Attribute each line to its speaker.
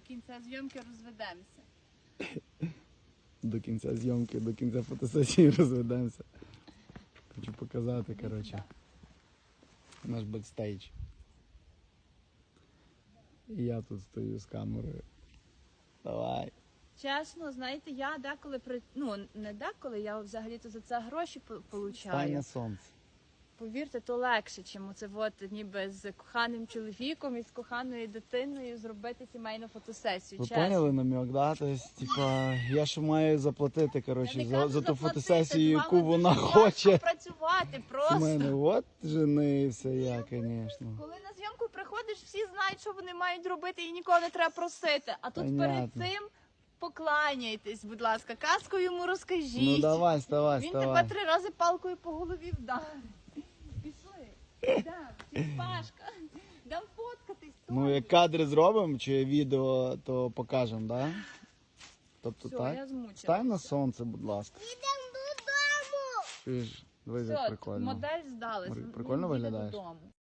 Speaker 1: кінця зйомки розведемося.
Speaker 2: До кінця зйомки, до кінця фотосесії розведемося. Хочу показати, коротше, наш бекстейдж. І я тут стою з камерою. Давай.
Speaker 1: Чесно, знаєте, я деколи, не деколи, я взагалі-то за це гроші
Speaker 2: Стань
Speaker 1: получаю.
Speaker 2: на сонце.
Speaker 1: Повірте, то легше, чим оце от ніби з коханим чоловіком і з коханою дитиною зробити сімейну фотосесію.
Speaker 2: Ви
Speaker 1: чесно.
Speaker 2: поняли намек, да? Тобто, типа, я ще маю заплатити,
Speaker 1: Я
Speaker 2: коротше,
Speaker 1: не
Speaker 2: за
Speaker 1: кажу
Speaker 2: ту
Speaker 1: заплатити,
Speaker 2: фотосесію,
Speaker 1: з
Speaker 2: яку
Speaker 1: вами
Speaker 2: вона
Speaker 1: дуже
Speaker 2: хоче.
Speaker 1: важко працювати просто.
Speaker 2: Мене, от женився я, звісно.
Speaker 1: Коли на зйомку приходиш, всі знають, що вони мають робити, і нікого не треба просити. А тут
Speaker 2: Понятно.
Speaker 1: перед цим покланяйтесь, будь ласка, казку йому розкажіть.
Speaker 2: Ну давай,
Speaker 1: Він тебе
Speaker 2: вставай.
Speaker 1: 3 рази палкою по голові вдарить. Пішли. Йдем, Пашка. Йдем фоткатись.
Speaker 2: Ну, як кадри зробимо чи відео, то покажемо, да? Тобто
Speaker 1: Все,
Speaker 2: так?
Speaker 1: я змучилася.
Speaker 2: Стань на сонце, будь ласка.
Speaker 3: Йдемо додому.
Speaker 2: Чуєш, дивись, як
Speaker 1: Все,
Speaker 2: прикольно.
Speaker 1: модель здалась.
Speaker 2: Прикольно
Speaker 1: Він їде
Speaker 2: виглядаєш?
Speaker 1: додому.